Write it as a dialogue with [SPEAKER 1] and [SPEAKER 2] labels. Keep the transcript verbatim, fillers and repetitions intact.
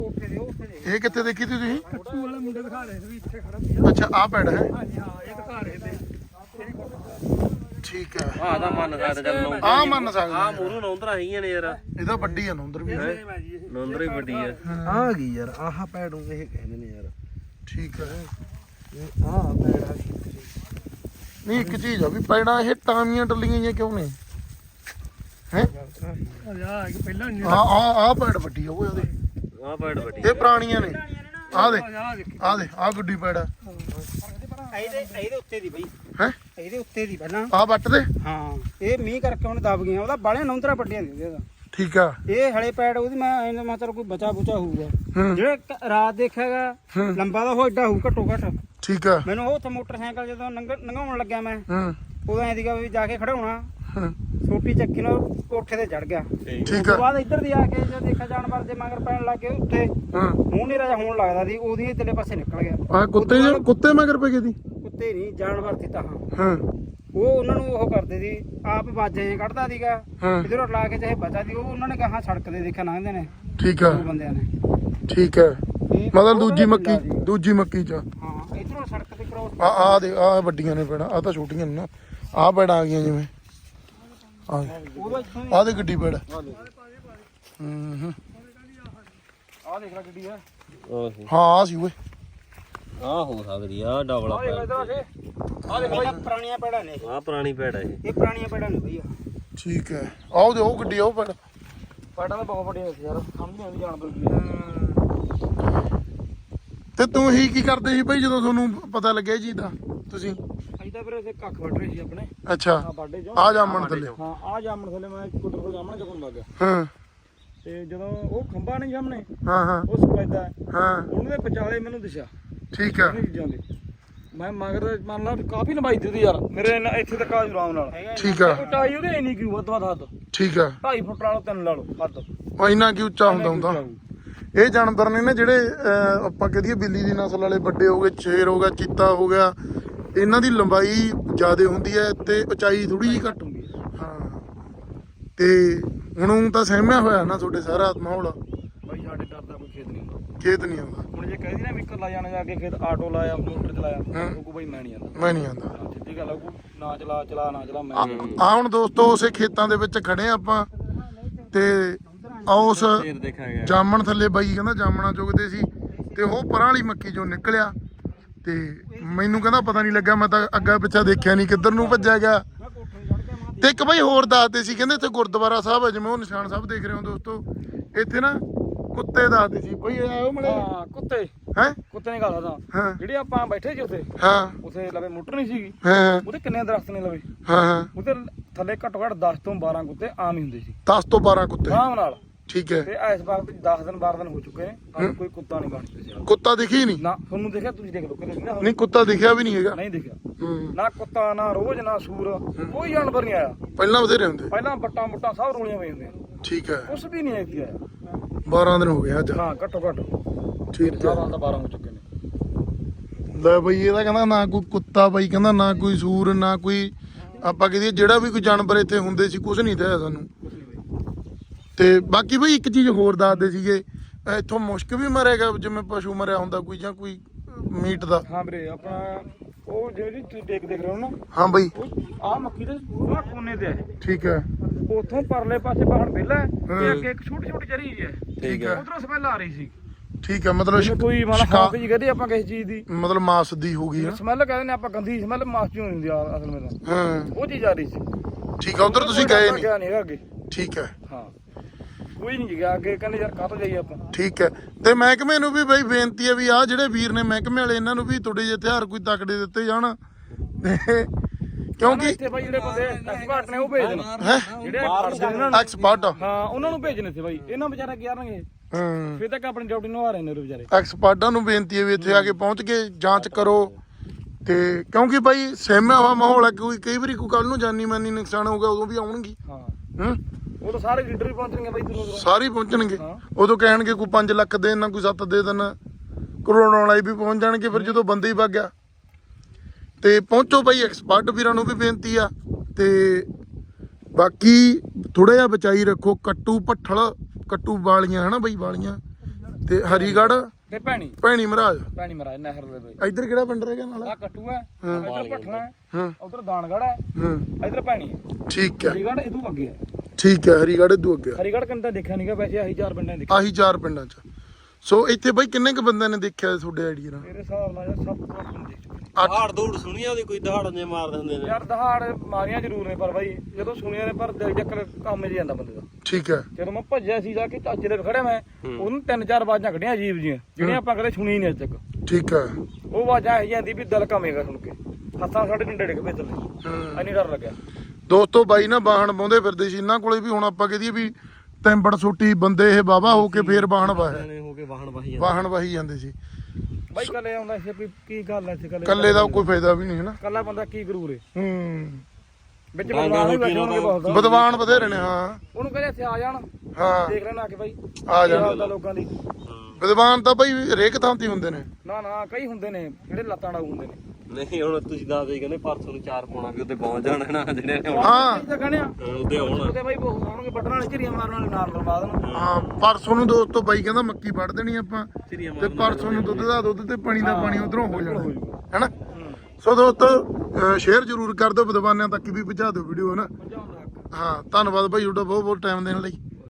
[SPEAKER 1] ਇਹ ਕਿੱਥੇ ਦੇਖੀ ਤੀ ਤੁਸੀਂ?
[SPEAKER 2] ਕੱਟੂ ਵਾਲੇ ਮੁੰਡੇ ਦਿਖਾ ਰਹੇ ਸੀ ਇੱਥੇ ਖੜਾ ਸੀ।
[SPEAKER 1] ਅੱਛਾ ਆ ਪੈੜ ਹੈ।
[SPEAKER 2] ਹਾਂਜੀ ਹਾਂ ਇਹ ਦਿਖਾ ਰਹੇ ਤੇ
[SPEAKER 1] ਠੀਕ ਹੈ।
[SPEAKER 3] ਆਹ ਤਾਂ ਮੰਨ ਸਕਦੇ ਚੱਲ
[SPEAKER 1] ਆ ਮੰਨ ਸਕਦੇ
[SPEAKER 3] ਆ ਮੂਰੂ ਨੌਂਦਰਾ ਹੈਗੀਆਂ ਨੇ ਯਾਰ।
[SPEAKER 1] ਇਹਦਾ ਵੱਡੀ ਆ ਨੌਂਦਰ ਵੀ
[SPEAKER 3] ਨੌਂਦਰਾ ਹੀ ਵੱਡੀ ਆ।
[SPEAKER 2] ਆ ਗਈ ਯਾਰ ਆਹ ਪੈੜੂ ਇਹ ਕਹਿੰਦੇ ਨੇ ਯਾਰ।
[SPEAKER 1] ਠੀਕ ਹੈ।
[SPEAKER 2] ਆਹ ਪੈੜ ਆ ਗਈ
[SPEAKER 1] ਨਹੀਂ ਇੱਕ ਚੀਜ਼ ਆ ਵੀ ਪੈੜਾਂ ਇਹ ਟਾਮੀਆਂ ਟੱਲੀਆਂ ਜਾਂ ਕਿਉਂ ਨੇ ਹੈ?
[SPEAKER 2] ਆ ਕਿ ਪਹਿਲਾਂ ਨਹੀਂ
[SPEAKER 1] ਆ ਆ ਆ ਪੈੜ ਵੱਡੀ ਆ ਉਹ ਉਹਦੇ
[SPEAKER 3] ਆਹ ਪੈੜ ਵੱਡੀ
[SPEAKER 1] ਇਹ ਪੁਰਾਣੀਆਂ ਨੇ। ਆ ਦੇ
[SPEAKER 2] ਆ ਦੇਖੀ
[SPEAKER 1] ਆ ਦੇ ਆ ਗੁੱਡੀ ਪੈੜ ਆ
[SPEAKER 4] ਇਹਦੇ ਇਹਦੇ ਉੱਤੇ ਦੀ ਬਈ
[SPEAKER 1] ਹੈ।
[SPEAKER 4] ਇਹਦੇ ਉੱਤੇ ਦੀ ਪਹਿਲਾਂ
[SPEAKER 1] ਆ ਵੱਟ ਦੇ।
[SPEAKER 4] ਹਾਂ ਇਹ ਮੀਂਹ ਕਰਕੇ ਹੁਣ ਦਬ ਗਈਆਂ ਉਹਦਾ ਬਾਲੇ ਨੌਂਤਰਾ ਪੱਟੀਆਂ ਦੀ ਉਹਦਾ
[SPEAKER 1] ਠੀਕ ਆ।
[SPEAKER 4] ਇਹ ਹਲੇ ਪੈੜ ਉਹਦੀ ਮੈਂ ਇਹਨਾਂ ਮਾ ਚਲ ਕੋਈ ਬਚਾ ਬੁਚਾ ਹੋਊਗਾ
[SPEAKER 1] ਹੂੰ
[SPEAKER 4] ਜਿਹੜੇ ਕ- ਰਾਤ ਦੇਖਿਆਗਾ
[SPEAKER 1] ਹੂੰ।
[SPEAKER 4] ਲੰਬਾ ਦਾ ਉਹ ਏਡਾ ਹੋਊ ਘੱਟੋ ਘੱਟ
[SPEAKER 1] ਠੀਕ ਆ।
[SPEAKER 4] ਮੈਨੂੰ ਉਹ ਉੱਥੇ ਮੋਟਰਸਾਈਕਲ ਜਦੋਂ ਲੰਘ- ਲੰਘਾਉਣ ਲੱਗਿਆ ਮੈਂ
[SPEAKER 1] ਹੂੰ
[SPEAKER 4] ਉਦੋਂ ਐਂ ਸੀਗਾ ਵੀ ਜਾ ਕੇ ਖੜਾਉਣਾ
[SPEAKER 1] ਹੂੰ
[SPEAKER 4] ਛੋਟੀ ਚੱਕੀ ਨਾਲ ਕੋਠੇ ਤੇ ਚੜ ਗਿਆ ਉਸ
[SPEAKER 1] ਠੀਕ
[SPEAKER 4] ਤੋਂ
[SPEAKER 1] ਆ।
[SPEAKER 4] ਬਾਅਦ ਇੱਧਰ ਦੀ ਆ ਕੇ ਜਦ ਦੇਖਿਆ ਜਾਨਵਰ ਦੇ ਮਗਰ ਪੈਣ ਲੱਗ ਗਏ ਉੱਤੇ
[SPEAKER 1] ਹੂੰ
[SPEAKER 4] ਮੂੰਹ ਨੀਰਾ ਜਿਹਾ ਹੋਣ ਲੱਗਦਾ ਸੀ ਉਹਦੀ ਇਧਰਲੇ ਪਾਸੇ ਨਿਕਲ ਗਿਆ
[SPEAKER 1] ਆ ਕੁੱਤੇ ਜਿਹੇ- ਕੁੱਤੇ ਮਗਰ ਪੈ ਗਏ ਦੀ।
[SPEAKER 4] ਕੁੱਤੇ ਨਹੀਂ ਜਾਨਵਰ ਸੀ ਤਾਂ
[SPEAKER 1] ਹਾਂ
[SPEAKER 4] ਉਹ ਉਹਨਾਂ ਨੂੰ ਉਹ ਕਰਦੇ ਸੀ ਆਪ ਬਾਜੇ ਕੱਢਦਾ ਸੀਗਾ
[SPEAKER 1] ਹਾਂ
[SPEAKER 4] ਇਧਰੋਂ ਲਾ ਕੇ ਚਾਹੇ ਬਚਾ ਦੀ ਉਹ ਉਹਨਾਂ ਨੇ ਕਹਾ ਸੜਕ ਦੇ ਦੇਖਿਆ ਲੰਘਦੇ ਨੇ
[SPEAKER 1] ਠੀਕ ਆ।
[SPEAKER 4] ਦੋ ਬੰਦਿਆਂ ਨੇ
[SPEAKER 1] ਠੀਕ ਹੈ।
[SPEAKER 4] ਇਹ
[SPEAKER 1] ਮਤਲਬ ਦੂਜੀ
[SPEAKER 4] ਉਹਦਾ
[SPEAKER 1] ਮੱਕੀ
[SPEAKER 4] ਸੀ।
[SPEAKER 1] ਦੂਜੀ ਮੱਕੀ ਚ
[SPEAKER 4] ਹਾਂ ਇਧਰੋਂ ਸੜਕ ਤੇ ਕ੍ਰੋਸ
[SPEAKER 1] ਆ ਆ ਦੇ ਆ ਵੱਡੀਆਂ ਨੇ ਪੈੜਾਂ ਆ ਤਾਂ ਛੋਟੀਆਂ ਨੇ ਨਾ। ਆ ਪੈੜਾਂ ਆ ਗਈਆਂ ਜਿਵੇਂ ਆ
[SPEAKER 4] ਉਹਦਾ ਇੱਥੋਂ
[SPEAKER 1] ਆ ਦੇ ਗੱਡੀ ਪੈੜ। ਹੂੰ ਹੂੰ
[SPEAKER 4] ਆ ਦੇਖ ਲੈ ਗੱਡੀ ਆ
[SPEAKER 3] ਉਹ
[SPEAKER 1] ਹਾਂ ਆ ਸੀ ਓਏ।
[SPEAKER 3] ਆਹ ਹੋ ਸਕਦੀ ਆ ਡਬਲ
[SPEAKER 4] ਆ ਦੇਖ ਲੈ ਇਧਰ ਆ ਦੇਖ ਬਈ ਪੁਰਾਣੀਆਂ ਪੈੜਾਂ ਨੇ
[SPEAKER 3] ਆ ਪੁਰਾਣੀ ਪੈੜ ਹੈ ਇਹ।
[SPEAKER 4] ਇਹ ਪੁਰਾਣੀਆਂ ਪੈੜਾਂ ਨੇ ਬਈ ਆ
[SPEAKER 1] ਠੀਕ ਹੈ। ਆਓ ਦੇ ਉਹ ਗੱਡੀ ਆ ਉਹ ਪੈੜ।
[SPEAKER 4] ਪੈੜਾਂ ਤਾਂ ਬਹੁਤ ਵੱਡੀਆਂ ਸੀ ਯਾਰ ਸਮਝ ਨਹੀਂ ਆਉਂਦੀ ਜਾਨਵਰ ਕੀ
[SPEAKER 1] ਤੇ ਤੂੰ ਹੀ ਕੀ ਕਰਦੇ ਸੀ ਭਾਈ ਜਦੋਂ ਤੁਹਾਨੂੰ ਪਤਾ ਲੱਗਿਆ ਜੀ ਦਾ ਤੁਸੀਂ?
[SPEAKER 4] ਅਸੀਂ ਤਾਂ ਫਿਰ ਇੱਥੇ ਕੱਖ ਵੱਢ ਰਹੇ ਸੀ ਆਪਣੇ
[SPEAKER 1] ਅੱਛਾ
[SPEAKER 4] ਆ ਬਾਡੇ ਚੋਂ
[SPEAKER 1] ਆ ਜਾਮਣ ਥੱਲੇ।
[SPEAKER 4] ਹਾਂ ਆ ਜਾਮਣ ਥੱਲੇ ਮੈਂ ਕੁੱਟਰ ਕੋਲ ਜਾਮਣ ਚੱਕਣ ਲੱਗ ਗਿਆ
[SPEAKER 1] ਹਾਂ
[SPEAKER 4] ਤੇ ਜਦੋਂ ਉਹ ਖੰਭਾ ਨਹੀਂ ਸਾਹਮਣੇ
[SPEAKER 1] ਹਾਂ ਹਾਂ
[SPEAKER 4] ਉਹ ਸਫੈਦਾ
[SPEAKER 1] ਹਾਂ
[SPEAKER 4] ਉਹਨਾਂ ਦੇ ਵਿਚਾਲੇ ਮੈਨੂੰ ਦਿਸਿਆ
[SPEAKER 1] ਠੀਕ ਆ।
[SPEAKER 4] ਉਹਨਾਂ ਚੀਜ਼ਾਂ ਦੇ ਮੈਂ ਮਗਰ ਮੰਨ ਲਾ ਕਾਫੀ ਲੰਬਾਈ ਤੇ ਉਹਦੀ ਯਾਰ ਮੇਰੇ ਇੰਨਾ ਇੱਥੇ ਤੱਕ ਆ ਆਰਾਮ ਨਾਲ
[SPEAKER 1] ਠੀਕ ਆ
[SPEAKER 4] ਉਚਾਈ ਉਹਦੇ ਇੰਨੀ ਕਿਉਂ ਵੱਧ ਵੱਧ ਹੱਦ
[SPEAKER 1] ਠੀਕ ਆ।
[SPEAKER 4] ਢਾਈ ਫੁੱਟ ਲਾ ਲਓ ਤਿੰਨ ਲਾ ਲਓ ਹੱਦ
[SPEAKER 1] ਉਹ ਇੰਨਾ ਕੀ ਉੱਚਾ ਹੁੰਦਾ ਹੁੰਦਾ। ਇਹ ਜਾਨਵਰ ਨੇ ਨਾ ਜਿਹੜੇ ਅਹ, ਆਪਾਂ ਕਹਦੀਏ ਬਿੱਲੀ ਦੀ ਨਸਲ ਵਾਲੇ ਵੱਡੇ ਹੋ ਗਏ, ਸ਼ੇਰ ਹੋ ਗਿਆ, ਚੀਤਾ ਹੋ ਗਿਆ, ਇਹਨਾਂ ਦੀ ਲੰਬਾਈ ਜ਼ਿਆਦਾ ਹੁੰਦੀ ਹੈ ਤੇ ਉਚਾਈ ਥੋੜੀ ਜਿਹੀ ਘੱਟ ਹੁੰਦੀ ਹੈ। ਹਾਂ ਤੇ ਹੁਣ ਊਂ ਤਾਂ ਸਹਿਮਿਆ ਹੋਇਆ ਨਾ ਤੁਹਾਡੇ ਸਾਰਾ ਮਾਹੌਲ।
[SPEAKER 4] ਬਾਈ ਸਾਡੇ ਡਰ ਦਾ ਕੋਈ ਖੇਤ ਨਹੀਂ ਹੁੰਦਾ
[SPEAKER 1] ਖੇਤ ਨਹੀਂ ਆਉਂਦਾ।
[SPEAKER 4] ਹੁਣ ਜੇ ਕਹਿ ਦੀ ਨਾ ਵੀ ਕੱਲਾ ਜਾਣਾ ਜਾ ਕੇ ਖੇਤ ਆਟੋ ਲਾਇਆ ਮੋਟਰ ਚਲਾਇਆ ਉਹ ਕੋ ਬਾਈ ਮੈਂ ਨਹੀਂ ਜਾਂਦਾ
[SPEAKER 1] ਮੈਂ ਨਹੀਂ ਆਉਂਦਾ।
[SPEAKER 4] ਹਾਂ, ਸਿੱਧੀ ਗੱਲ ਆ ਉਹ ਨਾ ਚਲਾ ਚਲਾ ਨਾ ਚਲਾ ਮੈਂ ਨਹੀਂ ਜਾਂਦਾ।
[SPEAKER 1] ਆ ਹੁਣ ਦੋਸਤੋ ਉਸੇ ਖੇਤਾਂ ਦੇ ਵਿੱਚ ਖੜੇ ਆ ਆਪਾਂ ਤੇ ਆ ਉਸ
[SPEAKER 3] ਫੇਰ ਦੇਖਾਂਗੇ।
[SPEAKER 1] ਜਾਮਣ ਥੱਲੇ ਬਾਈ ਕਹਿੰਦਾ ਜਾਮਣਾ ਚੁਗਦੇ ਸੀ ਤੇ ਉਹ ਪਰਾਂ ਵਾਲੀ ਮੱਕੀ ਚੋਂ ਨਿਕਲਿਆ ਤੇ ਮੈਨੂੰ ਕਹਿੰਦਾ ਪਤਾ ਨਹੀਂ ਲੱਗਾ, ਮੈਂ ਤਾਂ ਅੱਗਾ ਪਿੱਛਾ ਦੇਖਿਆ ਨਹੀਂ ਕਿੱਧਰ ਨੂੰ ਭੱਜਿਆ ਗਿਆ।
[SPEAKER 4] ਮੈਂ ਕੋਠੇ ਨੂੰ ਚੜ ਕੇ ਮੈਂ
[SPEAKER 1] ਤੇ ਇੱਕ ਬਾਈ ਹੋਰ ਦੱਸਦੇ ਸੀ, ਕਹਿੰਦੇ ਇੱਥੇ ਗੁਰਦੁਆਰਾ ਸਾਹਿਬ ਹੈ, ਜਿਵੇਂ ਉਹ ਨਿਸ਼ਾਨ ਸਾਹਿਬ ਦੇਖ ਰਹੇ ਹੋ ਦੋਸਤੋ, ਇੱਥੇ ਨਾ ਕੁੱਤੇ ਦੱਸਦੇ ਸੀ ਬਈ ਆਓ ਮਲੇ
[SPEAKER 4] ਹਾਂ ਕੁੱਤੇ
[SPEAKER 1] ਹੈ।
[SPEAKER 4] ਕੁੱਤੇ ਨਹੀਂ ਗੱਲ ਸਕਦਾ
[SPEAKER 1] ਹਾਂ
[SPEAKER 4] ਜਿਹੜੇ ਆਪਾਂ ਬੈਠੇ ਸੀ ਉੱਥੇ
[SPEAKER 1] ਹਾਂ
[SPEAKER 4] ਉੱਥੇ ਲਵੇ ਮੋਟਰ ਨਹੀਂ ਸੀਗੀ
[SPEAKER 1] ਹਾਂ
[SPEAKER 4] ਉਹਦੇ ਕਿੰਨੇ ਦਰਖਤ ਨੇ ਲਵੇ
[SPEAKER 1] ਹਾਂ ਹਾਂ
[SPEAKER 4] ਉਹਦੇ ਥੱਲੇ ਘੱਟੋ ਘੱਟ ਦਸ ਤੋਂ ਬਾਰਾਂ ਕੁੱਤੇ ਆਮ ਹੀ ਹੁੰਦੇ ਸੀ
[SPEAKER 1] ਦਸ ਤੋਂ ਬਾਰਾਂ ਕੁੱਤੇ।
[SPEAKER 4] ਆਰਾਮ ਨਾਲ।
[SPEAKER 1] ਠੀਕ ਹੈ।
[SPEAKER 4] ਤੇ ਇਸ ਵਕਤ ਦਸ ਦਿਨ ਬਾਰਾਂ ਦਿਨ ਹੋ ਚੁੱਕੇ ਨੇ ਅੱਜ ਕੋਈ ਕੁੱਤਾ ਨਹੀਂ ਬਣ ਚੁੱਕਿਆ
[SPEAKER 1] ਕੁੱਤਾ ਦਿਖੀ ਨਹੀਂ?
[SPEAKER 4] ਨਾ ਤੁਹਾਨੂੰ ਦੇਖਿਆ ਤੁਸੀਂ ਦੇਖ ਲਓ ਕਿਤੇ ਸੀ ਨਾ
[SPEAKER 1] ਨਹੀਂ ਕੁੱਤਾ ਦਿਖਿਆ ਵੀ ਨਹੀਂ ਹੈਗਾ।
[SPEAKER 4] ਨਹੀਂ ਦੇਖਿਆ
[SPEAKER 1] ਹੂੰ
[SPEAKER 4] ਨਾ ਕੁੱਤਾ ਨਾ ਰੋਜ਼ ਨਾ ਸੂਰ ਕੋਈ ਜਾਨਵਰ ਨਹੀਂ ਆਇਆ
[SPEAKER 1] ਪਹਿਲਾਂ ਬਥੇਰੇ ਹੁੰਦੇ।
[SPEAKER 4] ਪਹਿਲਾਂ ਬੱਟਾਂ ਬੁੱਟਾਂ ਸਭ ਰੋਲੀਆਂ ਪਈ ਹੁੰਦੀਆਂ
[SPEAKER 1] ਠੀਕ ਹੈ।
[SPEAKER 4] ਕੁਛ ਵੀ ਨਹੀਂ ਇੱਥੇ ਆਇਆ
[SPEAKER 1] ਬਾਰਾਂ ਦਿਨ ਹੋ ਗਏ ਅੱਜ।
[SPEAKER 4] ਹਾਂ ਘੱਟੋ ਘੱਟ
[SPEAKER 1] ਠੀਕ ਹੈ।
[SPEAKER 4] ਬਾਰਾਂ ਦਾ ਬਾਰਾਂ ਹੋ ਚੁੱਕੇ ਨੇ।
[SPEAKER 1] ਲੈ ਬਈ ਇਹਦਾ ਕਹਿੰਦਾ ਨਾ ਕੋਈ ਕੁੱਤਾ ਬਾਈ ਕਹਿੰਦਾ ਨਾ ਕੋਈ ਸੂਰ ਨਾ ਕੋਈ ਆਪਾਂ ਕਹਦੇ ਜਿਹੜਾ ਵੀ ਕੋਈ ਜਾਨਵਰ ਇੱਥੇ ਹੁੰਦੇ ਸੀ ਕੁਝ ਨਹੀਂ ਦਿਆ ਸਾਨੂੰ। ਤੇ ਬਾਕੀ ਬਈ ਇੱਕ ਚੀਜ਼ ਹੋਰ ਦੱਸਦੇ ਸੀਗੇ ਇੱਥੋਂ ਮੁਸ਼ਕ ਵੀ ਮਰੇਗਾ ਜਿਵੇਂ ਪਸ਼ੂ ਮਰਿਆ ਹੁੰਦਾ ਕੋਈ ਜਾਂ ਕੋਈ ਮੀਟ ਦਾ।
[SPEAKER 4] ਹਾਂ ਵੀਰੇ ਆਪਣਾ ਉਹ ਜਿਹੜੀ ਤੁਸੀਂ ਦੇਖ ਦੇਖ ਰਹੇ ਹੋ ਨਾ
[SPEAKER 1] ਹਾਂ ਬਈ
[SPEAKER 4] ਆ ਮੱਕੀ ਦੇ ਪੂਰਾ ਕੋਨੇ ਤੇ ਹੈ
[SPEAKER 1] ਠੀਕ ਹੈ।
[SPEAKER 4] ਉਥੋਂ ਪਰਲੇ ਪਾਸੇ ਬਾਹਰ ਵਿਹਲਾ ਹੈ
[SPEAKER 1] ਹਾਂ।
[SPEAKER 4] ਤੇ ਅੱਗੇ ਇੱਕ ਛੋਟੀ ਛੋਟੀ ਜਰੀ ਹੈ
[SPEAKER 1] ਠੀਕ ਹੈ।
[SPEAKER 4] ਉਧਰੋਂ ਸਮੈਲ ਆ ਰਹੀ ਸੀ
[SPEAKER 1] ਠੀਕ ਹੈ। ਮਤਲਬ
[SPEAKER 4] ਜਿਵੇਂ ਕੋਈ ਮਤਲਬ
[SPEAKER 1] ਸ਼ਿਕਾ-
[SPEAKER 4] ਹੌਕ ਜੀ ਕਹਦੇ ਆਪਾਂ ਕਿਸੇ ਚੀਜ਼ ਦੀ
[SPEAKER 1] ਮਤਲਬ ਮਾਸ ਦੀ ਹੋ ਗਈ।
[SPEAKER 4] ਸਮੈਲ ਕਹਿੰਦੇ ਨੇ ਆਪਾਂ ਗੰਦੀ ਸਮੈਲ ਮਾਸ ਚੋਂ ਹੁੰਦੀ ਆ ਅਸਲ ਵਿੱਚ
[SPEAKER 1] ਹਾਂ
[SPEAKER 4] ਉਹ ਚੀਜ਼ ਆ ਰਹੀ ਸੀ।
[SPEAKER 1] ਠੀਕ ਹੈ। ਉਧਰ ਤੁਸੀਂ ਗਏ ਨਹੀਂ?
[SPEAKER 4] ਗਿਆ ਨਹੀਂ ਹੈਗਾ ਅੱਗੇ।
[SPEAKER 1] ਠੀਕ ਹੈ
[SPEAKER 4] ਹਾਂ ਕੋਈ ਨਹੀਂ ਗਿਆ ਅੱਗੇ ਕਹਿੰਦੇ ਯਾਰ ਕਾਹਤੋਂ ਜਾਈਏ ਆਪਾਂ।
[SPEAKER 1] ਠੀਕ ਹੈ। ਤੇ ਮਹਿਕਮੇ ਨੂੰ ਵੀ ਬਈ ਬੇਨਤੀ ਹੈ ਵੀ ਆਹ ਜਿਹੜੇ ਵੀਰ ਨੇ ਮਹਿਕਮੇ ਵਾਲੇ ਇਹਨਾਂ ਨੂੰ ਵੀ ਥੋੜੇ ਜਿਹੇ ਹਥਿਆਰ ਕੋਈ ਤਕੜੇ ਦਿੱਤੇ ਜਾਣ ਤੇ ਕਿਉਂਕਿ
[SPEAKER 4] ਇੱਥੇ ਬਾਈ ਜਿਹੜੇ ਬੰਦੇ ਐਕਸਪਰਟ ਨੇ ਉਹ ਭੇਜ ਦੇਣ
[SPEAKER 1] ਹੈ
[SPEAKER 4] ਜਿਹੜੇ ਖੜਦੇ ਨੇ ਉਹਨਾਂ ਨੂੰ
[SPEAKER 1] ਐਕਸਪਰਟ
[SPEAKER 4] ਹਾਂ ਉਹਨਾਂ ਨੂੰ ਭੇਜਣੇ ਇੱਥੇ ਬਾਈ ਇਹਨਾਂ ਵਿਚਾਰਾ ਕੀ ਕਰਨਗੇ
[SPEAKER 1] ਹਾਂ
[SPEAKER 4] ਫਿਰ ਤੱਕ ਆਪਣੀ ਡਿਊਟੀ ਨਿਭਾ ਰਹੇ ਨੇ ਉਹ ਵਿਚਾਰੇ।
[SPEAKER 1] ਐਕਸਪਰਟਾਂ ਨੂੰ ਬੇਨਤੀ ਹੈ ਵੀ ਇੱਥੇ ਆ ਕੇ ਪਹੁੰਚ ਕੇ ਜਾਂਚ ਕਰੋ ਤੇ ਕਿਉਂਕਿ ਬਾਈ ਸਹਿਮਿਆ ਹੋਇਆ ਮਾਹੌਲ ਹੈ ਕੋਈ ਕਈ ਵਾਰੀ ਕੋਈ ਕੱਲ ਨੂੰ ਜਾਨੀ ਮਾਨੀ ਨੁਕਸਾਨ ਹੋਊਗਾ ਉਦੋਂ ਵੀ ਆਉਣਗੇ।
[SPEAKER 4] ਹਾਂ
[SPEAKER 1] ਹੂੰ
[SPEAKER 4] ਉਹ ਤਾਂ ਸਾਰੇ ਲੀਡਰ ਵੀ ਪਹੁੰਚਣਗੇ ਬਾਈ ਦੂਰੋਂ ਦੂਰੋਂ।
[SPEAKER 1] ਸਾਰੇ ਹੀ ਪਹੁੰਚਣਗੇ।
[SPEAKER 4] ਹਾਂ।
[SPEAKER 1] ਉਦੋਂ ਕਹਿਣਗੇ ਕੋਈ ਪੰਜ ਲੱਖ ਦੇ ਦੇਣਾ ਕੋਈ ਸੱਤ ਦੇ ਦੇਣਾ ਕਰੋੜਾਂ ਵਾਲੇ ਵੀ ਪਹੁੰਚ ਜਾਣਗੇ ਫਿਰ ਜਦੋਂ ਬੰਦੇ ਹੀ ਵਗ ਗਿਆ। ਤੇ ਪਹੁੰਚੋ ਬਾਈ ਐਕਸਪਰਟ ਵੀਰਾਂ ਨੂੰ ਵੀ ਬੇਨਤੀ ਆ ਤੇ ਬਾਕੀ ਥੋੜਾ ਜਿਹਾ ਬਚਾਈ ਰੱਖੋ। ਕੱਟੂ ਭੱਠਲ ਕੱਟੂ ਵਾਲੀਆਂ ਹਨਾ ਬਾਈ ਵਾਲੀਆਂ ਤੇ ਹਰੀਗੜ੍ਹ
[SPEAKER 4] ਤੇ ਭੈਣੀ
[SPEAKER 1] ਭੈਣੀ ਮਹਾਰਾਜ
[SPEAKER 4] ਭੈਣੀ ਮਹਾਰਾਜ ਨਹਿਰ ਦੇ ਬਈ
[SPEAKER 1] ਇੱਧਰ ਕਿਹੜਾ ਪਿੰਡ ਰਹਿ ਗਿਆ ਨਾਲ
[SPEAKER 4] ਆ ਕੱਟੂ ਹੈ ਇੱਧਰ ਭੱਠਣਾ ਹੈ
[SPEAKER 1] ਹਾਂ
[SPEAKER 4] ਉਧਰ ਦਾਨਗੜ੍ਹ ਹੈ
[SPEAKER 1] ਹਾਂ
[SPEAKER 4] ਇੱਧਰ ਭੈਣੀ ਹੈ
[SPEAKER 1] ਠੀਕ ਹੈ
[SPEAKER 4] ਹਰੀਗੜ੍ਹ ਇਦੋਂ ਅੱਗੇ ਹੈ
[SPEAKER 1] ਠੀਕ ਹੈ ਹਰੀਗੜ੍ਹ ਇਦੋਂ ਅੱਗੇ
[SPEAKER 4] ਹਰੀਗੜ੍ਹ ਕੰਨ ਤਾਂ ਦੇਖਿਆ ਨਹੀਂਗਾ ਵੈਸੇ ਆਹੀ ਚਾਰ ਪਿੰਡਾਂ ਦੇਖਿਆ
[SPEAKER 1] ਆਹੀ ਚਾਰ ਪਿੰਡਾਂ ਚ ਸੋ ਇੱਥੇ ਬਾਈ ਕਿੰਨੇ ਕੁ ਬੰਦਿਆਂ ਨੇ ਦੇਖਿਆ ਤੁਹਾਡੇ ਆਈਡੀਆ ਨਾਲ
[SPEAKER 4] ਮੇਰੇ ਹਿਸਾਬ ਨਾਲ ਯਾਰ ਸੱਤ ਤੋਂ ਅੱਠ ਬੰਦੇ ਦੇਖ ਚੁੱਕੇ ਨੇ।
[SPEAKER 3] ਦਹਾੜ ਦੂੜ ਸੁਣੀ ਆ ਉਹਦੀ ਕੋਈ ਦਹਾੜ ਜੇ ਮਾਰਦੇ ਹੁੰਦੇ ਨੇ
[SPEAKER 4] ਯਾਰ ਦਹਾੜ ਮਾਰੀਆਂ ਜ਼ਰੂਰ ਨੇ ਪਰ ਬਾਈ ਜਦੋਂ ਸੁਣਿਆ ਨੇ ਪਰ ਦਿਲ ਚੱਕਰ ਕੰਮ 'ਚ ਜਾਂਦਾ ਬੰਦੇ ਦਾ
[SPEAKER 1] ਠੀਕ ਹੈ
[SPEAKER 4] ਜਦੋਂ ਮੈਂ ਭੱਜਿਆ ਸੀ ਜਾ ਕੇ ਚਾਚੇ ਦੇ ਖੜਿਆ ਮੈਂ ਉਹਨੂੰ ਤਿੰਨ ਚਾਰ ਆਵਾਜ਼ਾਂ ਕੱਢੀਆਂ ਅਜੀਬ ਜੀਆਂ ਜਿਹੜੀਆਂ ਆਪਾਂ ਕਦੇ ਸੁਣੀ ਨਹੀਂ ਅੱਜ ਤੱਕ
[SPEAKER 1] ਠੀਕ ਹੈ
[SPEAKER 4] ਉਹ ਆਵਾਜ਼ਾਂ ਇਹੋ ਜਾਂਦੀ ਵੀ ਦਿਲ ਕੰਮੇਗਾ ਸੁਣ ਕੇ ਹੱਥਾਂ ਸਾਡੇ ਡੰਡੇ ਡਿੱਗ ਪਏ ਥੱਲੇ
[SPEAKER 1] ਹੂੰ।
[SPEAKER 4] ਇੰਨੀ ਡਰ ਲੱਗਿਆ
[SPEAKER 1] ਦੋਸਤੋ ਬਾਈ ਨਾ ਬਾਹਣ ਪਾਉਂਦੇ ਫਿਰਦੇ ਸੀ ਇਹਨਾਂ ਕੋਲੇ ਵੀ ਹੁਣ ਆਪਾਂ ਕਹਦੀਏ ਵੀ ਤੈਂਬੜ ਸੋਟੀ ਬੰਦੇ ਇਹ ਬਾਬਾ ਹੋ ਕੇ ਫੇਰ ਬਾਹਣ ਵਾਹਿਆ
[SPEAKER 3] ਨੇ ਹੋ ਕੇ ਵਾਹਣ ਵਾਹੀ
[SPEAKER 1] ਵਾਹਣ ਵਾਹੀ ਜਾਂਦੇ ਸੀ
[SPEAKER 4] ਬਾਈ ਕੱਲੇ ਆਉਂਦਾ ਸੀ ਵੀ ਕੀ ਗੱਲ ਐ ਇੱਥੇ ਕੱਲੇ
[SPEAKER 1] ਕੱਲੇ ਦਾ ਕੋਈ ਫਾਇਦਾ ਵੀ ਨਹੀਂ ਹੈ ਨਾ
[SPEAKER 4] ਕੱਲਾ ਬੰਦਾ ਕੀ ਕਰੂ ਰੇ
[SPEAKER 1] ਹੂੰ
[SPEAKER 4] ਵਿੱਚ ਬਦਲਾਅ ਵੀ ਬੈਠੇ ਹੋਣਗੇ ਬਹੁਤ
[SPEAKER 1] ਵਿਦਵਾਨ ਬਥੇਰੇ ਨੇ ਹਾਂ
[SPEAKER 4] ਉਹਨੂੰ ਕਹਿੰਦੇ ਇੱਥੇ ਆ ਜਾਣ
[SPEAKER 1] ਹਾਂ
[SPEAKER 4] ਦੇਖ ਲੈਣਾ ਆ ਕੇ ਬਾਈ
[SPEAKER 1] ਆ ਜਾਣ।
[SPEAKER 4] ਕੀ ਹਾਲ ਦਾ ਲੋਕਾਂ ਦੀ
[SPEAKER 1] ਵਿਦਵਾਨ ਤਾਂ ਬਾਈ ਹਰੇਕ ਥਾਂ ਤੇ ਹੁੰਦੇ ਨੇ
[SPEAKER 4] ਨਾ ਨਾ ਕਈ ਹੁੰਦੇ ਨੇ ਜਿਹੜੇ ਲੱਤਾਂ ਡਾਊ ਹੁੰਦੇ ਨੇ
[SPEAKER 3] ਨਹੀਂ ਹੁਣ ਤੁਸੀਂ ਦੱਸਦੇ ਕਹਿੰਦੇ ਪਰਸੋਂ ਨੂੰ ਚਾਰ ਪਾਉਣਾ ਵੀ ਉੱਤੇ ਪਹੁੰਚ ਜਾਣਾ ਨਾ ਜਿਹੜੇ ਨੇ ਹੁਣ
[SPEAKER 1] ਹਾਂ
[SPEAKER 4] ਇਹ ਤਾਂ ਕਹਣਿਆ
[SPEAKER 3] ਉਹਦੇ ਆਉਣ
[SPEAKER 4] ਉਹਦੇ ਬਾਈ ਬਹੁਤ ਆਉਣਗੇ ਵੱਢਣ ਵਾਲੇ ਝਰੀਆਂ ਮਾਰਨ ਵਾਲੇ ਨਾਲ ਬਰਬਾਦ ਨੂੰ
[SPEAKER 1] ਹਾਂ ਪਰਸੋਂ ਨੂੰ ਦੋਸਤੋ ਬਾਈ ਕਹਿੰਦਾ ਮੱਕੀ ਵੱਢ ਦੇਣੀ ਆਪਾਂ
[SPEAKER 3] ਝਰੀਆਂ
[SPEAKER 1] ਤੇ ਪਰਸੋਂ ਨੂੰ ਦੁੱਧ ਦਾ ਦੁੱਧ ਤੇ ਪਾਣੀ ਦਾ ਪਾਣੀ ਉਧਰੋਂ ਹੋ ਜਾਣਾ ਹੈਨਾ ਸੋ ਦੋਸਤੋ ਸ਼ੇਅਰ ਜ਼ਰੂਰ ਕਰ ਦਿਓ ਵਿਦਵਾਨਾਂ ਤੱਕ ਵੀ ਪਹੁੰਚਾ ਦਿਓ ਵੀਡੀਓ ਨਾ
[SPEAKER 4] ਸਮਝਾਉਣ ਦਾ ਹੱਕ
[SPEAKER 1] ਹਾਂ ਧੰਨਵਾਦ ਬਾਈ ਤੁਹਾਡਾ ਬਹੁਤ ਬਹੁਤ ਟਾਈਮ ਦੇਣ ਲਈ